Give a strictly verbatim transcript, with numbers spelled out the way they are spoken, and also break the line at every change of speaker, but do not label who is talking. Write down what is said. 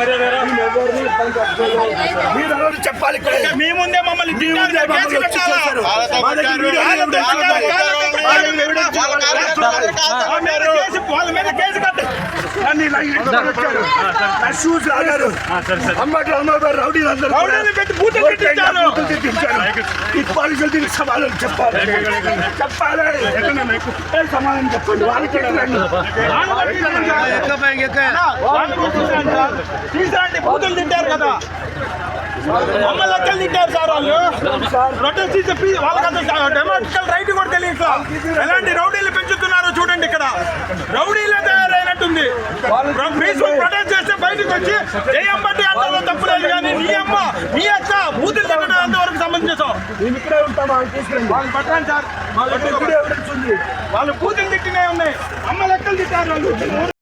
మీరు చెప్పాలి,
మీ ముందే మమ్మల్ని వాళ్ళ మీద కేసు కట్టు.
షూస్ లాగారు, అమ్మట్లు అమ్మగారు రౌడీలు అందరూ
పెట్టి బూతులు పెట్టించారు.
పోలీసులు దీనికి సమాధానం చెప్పాలి చెప్పాలి సమాధానం చెప్పండి. వాళ్ళకి
తీసుకురండి, బూతులు తింటారు కదా, మమ్మల్ని లెక్కలు తింటారు సార్ వాళ్ళు. ప్రొటెస్ట్ చెప్పి వాళ్ళకంతా డెమోక్రటికల్ రైట్ కూడా తెలియదు. ఎలాంటి రౌడీలు పెంచుతున్నారో చూడండి. ఇక్కడ రౌడీలే తయారైనట్టుంది. పీస్ఫుల్ ప్రొటెస్ట్ చేస్తే బయటకు వచ్చి ఏ అమ్మటి అంటారో తప్పులేదు, కానీ నీ అమ్మ నీ అక్క బూతులు తిట్టడం ఎంతవరకు సమంజసం? వాళ్ళు పట్టండి సార్, వాళ్ళు బూతులు తిట్టినే ఉన్నాయి. అమ్మ లెక్కలు తిట్టారు వాళ్ళు.